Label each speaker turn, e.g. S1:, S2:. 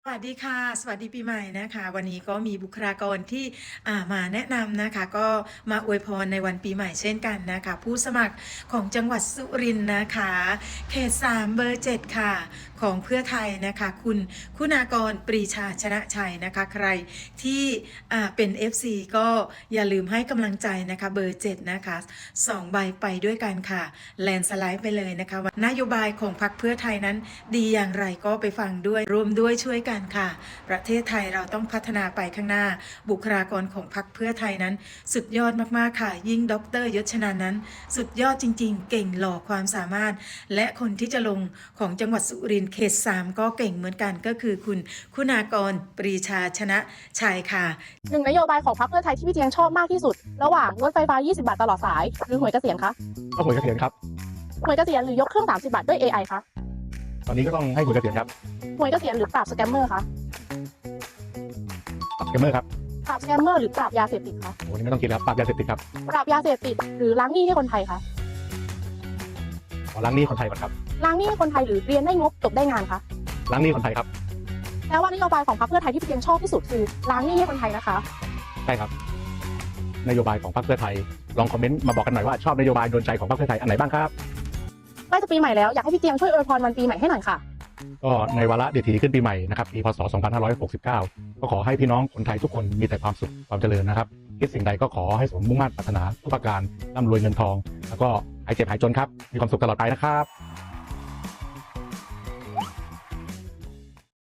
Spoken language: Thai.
S1: สวัสดีค่ะสวัสดีปีใหม่นะคะวันนี้ก็มีบุคลากรที่มาแนะนำนะคะก็มาอวยพรในวันปีใหม่เช่นกันนะคะผู้สมัครของจังหวัดสุรินทร์นะคะเขต3เบอร์7ค่ะของเพื่อไทยนะคะคุณคุณากรปรีชาชนะชัยนะคะใครที่เป็น FC ก็อย่าลืมให้กำลังใจนะคะเบอร์7นะคะ2ใบไปด้วยกันค่ะแลนสไลด์ไปเลยนะคะว่านโยบายของพรรคเพื่อไทยนั้นดีอย่างไรก็ไปฟังด้วยรวมด้วยช่วยกันค่ะประเทศไทยเราต้องพัฒนาไปข้างหน้าบุคลากรของพรรคเพื่อไทยนั้นสุดยอดมากๆค่ะยิ่งดร.ยศชนานั้นสุดยอดจริงๆเก่งหล่อความสามารถและคนที่จะลงของจังหวัดสุรินทร์เขต3ก็เก่งเหมือนกันก็คือคุณคุณากรปรีชาชนะชัยค่ะ
S2: หนึ่งนโยบายของพรรคเพื่อไทยที่พี่เจียงชอบมากที่สุดระหว่างรถไฟฟ้า 20 บาทตลอดสายหรือหวยเกษียณคะ
S3: ก็หวยเกษียณครับ
S2: หวยเกษียณหรือยกเครื่อง 30 บาทด้วย AI คะ
S3: ตอนนี้ก็ต้องให้หวยเกษียณครับ
S2: หวยเกษียณหรือปราบสแกมเมอร์คะ
S3: ปรับสแกมเมอร์ครับ
S2: ปราบสแกมเมอร์หรือปราบยาเสพติดคะ
S3: โอ้นี่ไม่ต้องคิดแล้วปรับยาเสพติดครับ
S2: ปราบยาเสพติดหรือล้างหนี้ให้คนไทยคะ
S3: ขอล้างหนี้คนไทยก่อนครับ
S2: ล้างหนี้ให้คนไทยหรือเรียนได้งบจบได้งานคะ
S3: ล้างหนี้คนไทยครับ
S2: แปลว่านโยบายของพรรคเพื่อไทยที่พี่เจียงชอบที่สุดคือล้างหนี้ให้คนไทยนะคะ
S3: ใช่ครับนโยบายของพรรคเพื่อไทยลองคอมเมนต์มาบอกกันหน่อยว่าชอบนโยบายโดนใจของพรรคเพื่อไทยอันไหนบ้างครับ
S2: ใกล้จะปีใหม่แล้วอยากให้พี่เจียงช่วยอวยพรวันปีใหม่ให้หน่อยค่ะ
S3: ก็ในวาระเดียดถีขึ้นปีใหม่นะครับปีพศ2569ก็ขอให้พี่น้องคนไทยทุกคนมีแต่ความสุขความเจริญนะครับคิดสิ่งใดก็ขอให้สมมุ่งมั่นปรารถนาทุกประการร่ำรวยเงินทองแล้วก็หายเจ็บหายจนครับมีความสุขตลอดไปนะครับ